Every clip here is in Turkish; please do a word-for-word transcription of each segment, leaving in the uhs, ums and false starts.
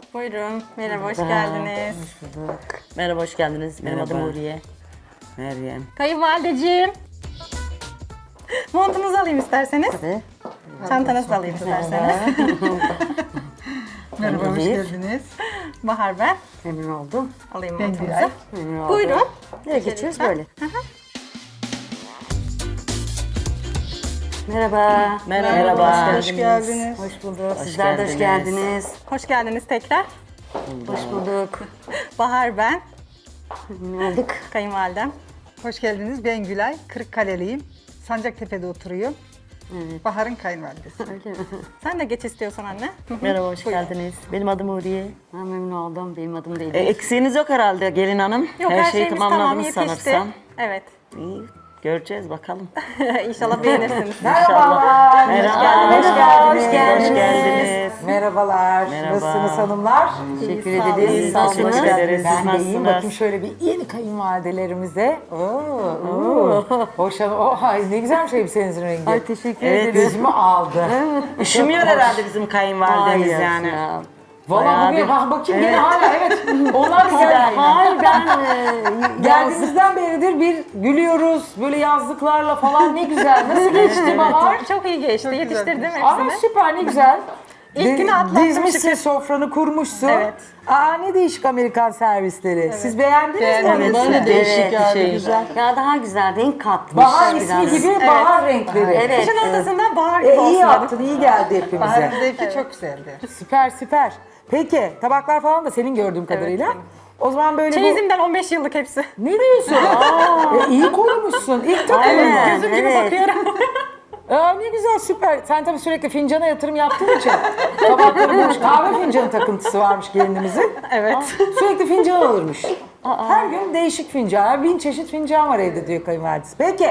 Buyurun. Merhaba, hoş geldiniz. Hoş bulduk. Merhaba, hoş geldiniz. Benim Merhaba. adım Huriye. Meryem. Kayınvalideciğim. Montunuzu alayım isterseniz. Tabii. Çantanızı da alayım isterseniz. Merhaba, hoş Elif. geldiniz. Bahar ben. Memnun oldum. Alayım Ben montunuzu. Gülay. Memnun oldum. Buyurun. Nereye geçiyoruz lütfen. böyle? Merhaba. Merhaba, hoş geldiniz. Hoş bulduk. Hoş Sizler de hoş geldiniz. geldiniz. Hoş geldiniz tekrar. Hoş bulduk. Bahar ben. Memnun olduk. Kayınvalidem. Hoş geldiniz. Ben Gülay, Kırıkkaleliyim. Sancaktepe'de oturuyorum. Bahar'ın kayınvalidesi. Sen de geç istiyorsan anne. Merhaba, hoş geldiniz. Benim adım Huriye. Ha, memnun oldum. Benim adım değil. E, eksiğiniz yok herhalde gelin hanım. Yok, her, şeyimiz tamam, tamamladınız yetişti. sanırsam. Evet. İyi, göreceğiz bakalım. İnşallah beğenirsiniz. İnşallah. Merhaba, hoş geldiniz. Hoş geldiniz. Hoş geldiniz. Merhabalar. Merhaba. Nasılsınız hanımlar? Teşekkür Sağ olun. ederiz. İyi, Sağ hoş olun. geldiniz. Ben Siz de iyiyim. nasılsınız? Bakayım şöyle bir yeni kayınvalidelerimize. Oo, oo. Hoş oh, ay ne güzelmiş elbisenizin rengi. Ay, teşekkür Evet, ederim. Gözümü aldı. Üşümüyor herhalde bizim kayınvalidemiz Hayır yani. ya. Valla Bayağı bugün bir- ha, bakayım gene hala evet. Onlar da geldi. Hayır ben e, Geldiğimizden beridir bir gülüyoruz. Böyle yazlıklarla falan ne güzel. Nasıl geçti Bahar? Çok iyi geçti. Yetiştirdim Ama hepsini. süper ne güzel. İlk Di- günü atlattım Dizmişsin şükür. sofranı kurmuşsun. Evet. Aa ne değişik Amerikan servisleri. Siz beğendiniz mi? Beğendim. Ben de değişik evet, geldi, şey, güzel. Ya daha güzel renk katmış. Bahar ismi biraz. gibi bahar renkleri. Evet. Kışın ortasında bahar gibi E, olsun iyi dedim. yaptın, iyi geldi hepimize. Bahar'ın zevki çok güzeldi. Süper süper. Peki tabaklar falan da senin gördüğüm kadarıyla. benim. O zaman böyle bu... Çeyizimden on beş yıllık hepsi. Ne diyorsun? e, iyi korumuşsun. İlk takımın Aynen, mı? Gözüm gibi evet. bakıyorum. Aa, ne güzel süper. Sen tabii sürekli fincana yatırım yaptığın için tabakları bulmuş. Kahve fincanı takıntısı varmış gelinimizin. Evet. Sürekli fincan alırmış. Her gün değişik fincan. Bin çeşit fincan var evde diyor kayınvalidesi. Peki.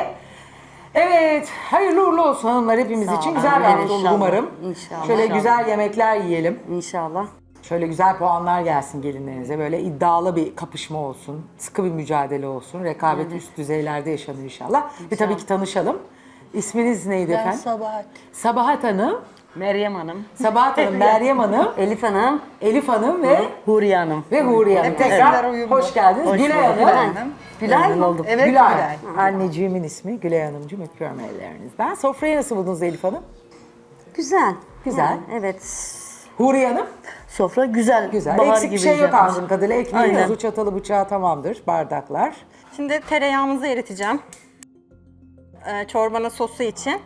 Evet. Hayırlı uğurlu olsun hanımlar hepimiz için. Güzel bir Amin, hafta olur inşallah. umarım. İnşallah. Şöyle İnşallah. güzel yemekler yiyelim. İnşallah. Şöyle güzel puanlar gelsin gelinlerinize. Böyle iddialı bir kapışma olsun. Sıkı bir mücadele olsun. Rekabet üst düzeylerde yaşanır inşallah. Ve tabii ki tanışalım. İsminiz neydi efendim? Sabahat. Sabahat Hanım. Meryem Hanım, Sabahat Hanım, Meryem Hanım, Elif Hanım. Elif Hanım ve Huriye Hanım. ve Huriye Hanım. Hep Tekrar isimler uyumlu. hoş geldiniz. Hoş Gülay bulduk. Hanım. Hanım. Gülay mı olduk? Evet, Gülay. Gülay. Anneciğimin ismi Gülay Hanımcığım. Öpüyorum ellerinizden. Sofrayı nasıl buldunuz Elif Hanım? Güzel. Güzel. Yani, evet. Huriye Hanım? Sofra güzel. Güzel. Bahar Eksik bir gibi şey yok yapmış. anladığım kadarıyla. Ekmeği Aynen. yazı, çatalı, bıçağı tamamdır. Bardaklar. Şimdi tereyağımızı eriteceğim. Ee, çorbanın sosu için.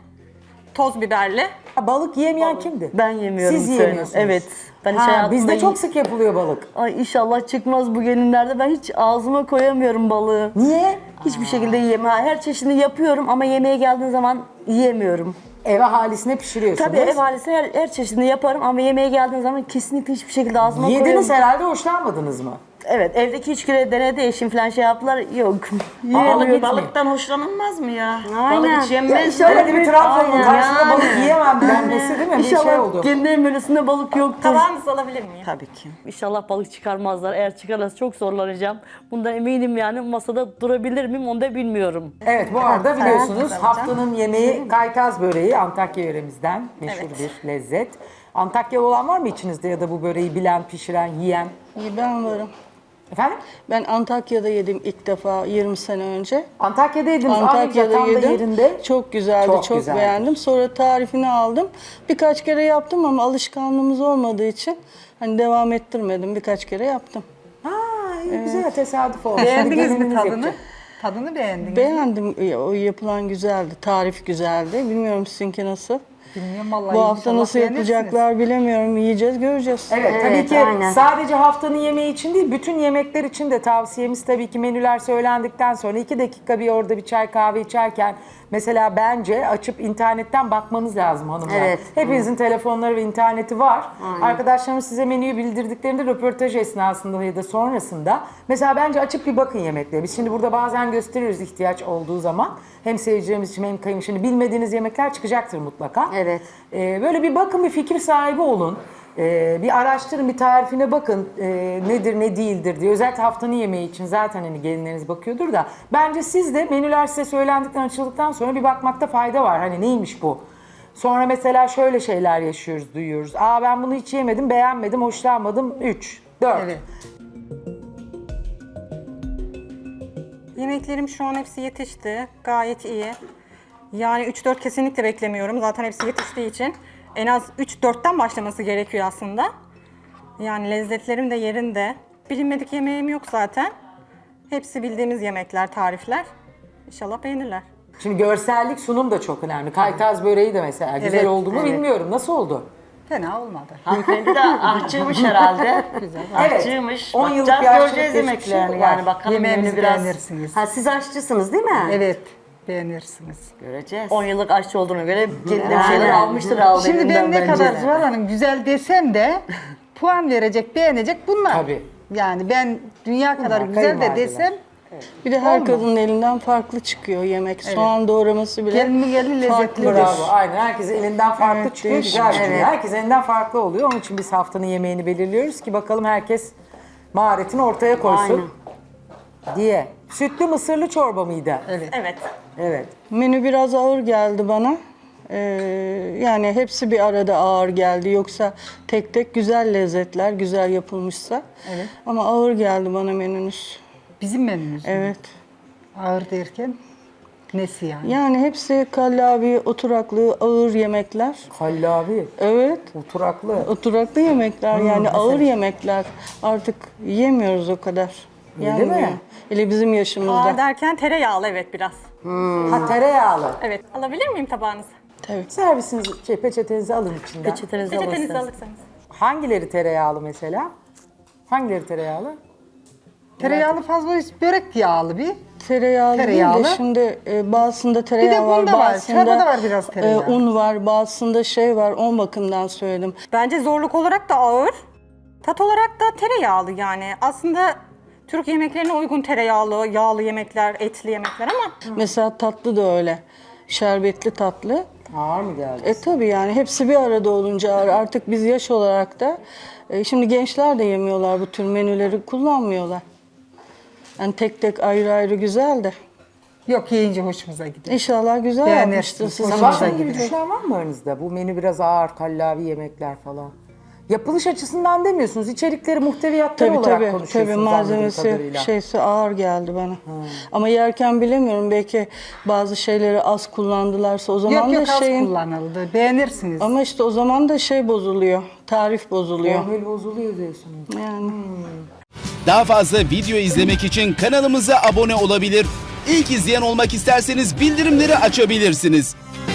Toz biberli. Ha, balık yiyemeyen kimdi? Ben yemiyorum. Siz söyle. yiyemiyorsunuz. Evet. Ben hiç Ha, hayatımda bizde yi- çok sık yapılıyor balık. Ay inşallah çıkmaz bu gelinlerde. Ben hiç ağzıma koyamıyorum balığı. Niye? Hiçbir şekilde yiyemem. Ha, her çeşidini yapıyorum ama yemeğe geldiğin zaman yiyemiyorum. Eve halisine pişiriyorsunuz. Tabii ev ailesine her, her çeşidini yaparım ama yemeğe geldiğin zaman kesinlikle hiçbir şekilde ağzıma Yediniz koyamıyorum. herhalde hoşlanmadınız mı? Evet, evdeki üç kere denedi eşim falan şey yaptılar. Yok. Balık, Yiyemiyor. balıktan hoşlanılmaz mı ya? Aynen. Balık hiç yenmez Ya mi? şöyle Öyle bir Trabzon'un Aynen. karşısında Yani. balık yiyemem denmesi değil mi? Bir İnşallah şey oldu. gelinlerin menüsünde balık yoktur. Tabağınızı alabilir miyim? Tabii ki. İnşallah balık çıkarmazlar. Eğer çıkarırsa çok zorlanacağım. Bundan eminim yani masada durabilir miyim onu da bilmiyorum. Evet bu arada biliyorsunuz alacağım. haftanın yemeği kaytaz böreği Antakya yöremizden meşhur Evet. bir lezzet. Antakyalı olan var mı içinizde ya da bu böreği bilen, pişiren, yiyen? İyi, ben varım. Efendim? Ben Antakya'da yedim ilk defa yirmi sene önce. Antakya'da yediniz. Antakya'da Antakya'da yedim. yerinde. Çok güzeldi, Çok çok, güzeldi. beğendim. Sonra tarifini aldım. Birkaç kere yaptım ama alışkanlığımız olmadığı için hani devam ettirmedim. Birkaç kere yaptım. Ha iyi, güzel tesadüf olmuş. Şimdi Beğendiniz mi gelininiz tadını? yapacak. Tadını beğendiniz Beğendim. O yapılan güzeldi. Tarif güzeldi. Bilmiyorum sizinki nasıl? Bilmiyorum vallahi. Bu hafta inşallah nasıl beğenirsiniz. yapacaklar bilemiyorum. Yiyeceğiz, göreceğiz. Evet, tabii Evet, ki aynen. sadece haftanın yemeği için değil, bütün yemekler için de tavsiyemiz tabii ki menüler söylendikten sonra iki dakika bir orada bir çay kahve içerken mesela bence açıp internetten bakmanız lazım hanımlar. Evet. Hepinizin telefonları ve interneti var. Arkadaşlarımız size menüyü bildirdiklerinde röportaj esnasında ya da sonrasında mesela bence açıp bir bakın yemeklere. Biz şimdi burada bazen gösteriyoruz ihtiyaç olduğu zaman. Hem seyircilerimiz için hem kayın şimdi bilmediğiniz yemekler çıkacaktır mutlaka. Evet. Ee, böyle bir bakın, bir fikir sahibi olun. Ee, bir araştırın, bir tarifine bakın ee, nedir ne değildir diye. Özellikle haftanın yemeği için zaten hani gelinleriniz bakıyordur da. Bence siz de menüler size söylendikten, açıldıktan sonra bir bakmakta fayda var. Hani neymiş bu? Sonra mesela şöyle şeyler yaşıyoruz, duyuyoruz. Aa ben bunu hiç yemedim, beğenmedim, hoşlanmadım. üç, dört. Evet. Yemeklerim şu an hepsi yetişti. Gayet iyi. Yani üç dört kesinlikle beklemiyorum. Zaten hepsi yetiştiği için. En az üç dörtten başlaması gerekiyor aslında. Yani lezzetlerim de yerinde. Bilinmedik yemeğim yok zaten. Hepsi bildiğimiz yemekler, tarifler. İnşallah beğenirler. Şimdi görsellik, sunum da çok önemli. Kaytaz böreği de mesela güzel Evet, oldu mu evet. bilmiyorum. Nasıl oldu? Fena olmadı. Hanımefendi de aşçıymış herhalde. Evet. Aşçıymış. on yıllık Bakacağız, bir aşçılık göreceğiz geçmişi yemeklerini var. yani. Bakalım Yemeğimizi menü biraz. beğenirsiniz. Ha siz aşçısınız değil mi? Evet, beğenirsiniz. Göreceğiz. on yıllık aşçı olduğuna göre kendine bir Yani. şeyler almıştır aldı Şimdi elinden ben ne bence. kadar Zuhal Hanım güzel desem de puan verecek, beğenecek bunlar. Tabii. Yani ben dünya kadar güzel de kayınvalideler. desem Bir de her Olmaz. kadının elinden farklı çıkıyor yemek. Soğan doğraması bile Gelini gelin farklıdır. lezzetlidir. Bravo. Aynen. Herkesin elinden farklı Evet, çıkıyor. değişik. Güzel bir şey. Evet. Herkesin elinden farklı oluyor. Onun için biz haftanın yemeğini belirliyoruz ki bakalım herkes maharetini ortaya koysun. Diye. Sütlü mısırlı çorba mıydı? Evet. Evet. Evet. Menü biraz ağır geldi bana. Ee, yani hepsi bir arada ağır geldi. Yoksa tek tek güzel lezzetler, güzel yapılmışsa. Evet. Ama ağır geldi bana menünüz. Bizim menümüz. mü? Evet. Ağır derken nesi yani? Yani hepsi kallavi, oturaklı, ağır yemekler. Kallavi. Evet. Oturaklı. Oturaklı yemekler yani ağır yemekler. Artık yemiyoruz o kadar. Öyle Yenmiyor. mi? Hele bizim yaşımızda. Ağır derken tereyağlı evet biraz. Ha tereyağlı. Evet. Alabilir miyim tabağınızı? Tabii. Servisinizi, şey, peçetenizi alın içinden. Peçetenizi Peçetenizi alırsınız. alırsanız. Hangileri tereyağlı mesela? Hangileri tereyağlı? Tereyağlı fazla börek yağlı bir. Tereyağlı, Tereyağlı. değil de şimdi e, bazısında tereyağı var, bunda var, bazısında çorbada var biraz tereyağı. e, un var, bazısında şey var. O bakımdan söyledim. Bence zorluk olarak da ağır. Tat olarak da tereyağlı yani. Aslında Türk yemeklerine uygun tereyağlı, yağlı yemekler, etli yemekler ama Mesela tatlı da öyle. Şerbetli tatlı. Ağır mı geldi? E tabii yani hepsi bir arada olunca ağır. Artık biz yaş olarak da e, şimdi gençler de yemiyorlar bu tür menüleri kullanmıyorlar. Yani tek tek ayrı ayrı güzel de. Yok yiyince hoşumuza gidiyor. İnşallah güzel Beğenirsiniz. yapmıştır. Siz Hoşumuza Sabah gibi gidiyor. düşünen var mı aranızda? Bu menü biraz ağır, kallavi yemekler falan. Yapılış açısından demiyorsunuz. İçerikleri, muhteviyatları Tabii olarak tabii, tabii konuşuyorsunuz anladığım malzemesi kadarıyla. şeysi ağır geldi bana. Ama yerken bilemiyorum belki bazı şeyleri az kullandılarsa o zaman Yok da yok az şeyin kullanıldı. Beğenirsiniz. ama işte o zaman da şey bozuluyor. Tarif bozuluyor. Formül bozuluyor diyorsunuz. Yani Daha fazla video izlemek için kanalımıza abone olabilir. İlk izleyen olmak isterseniz bildirimleri açabilirsiniz.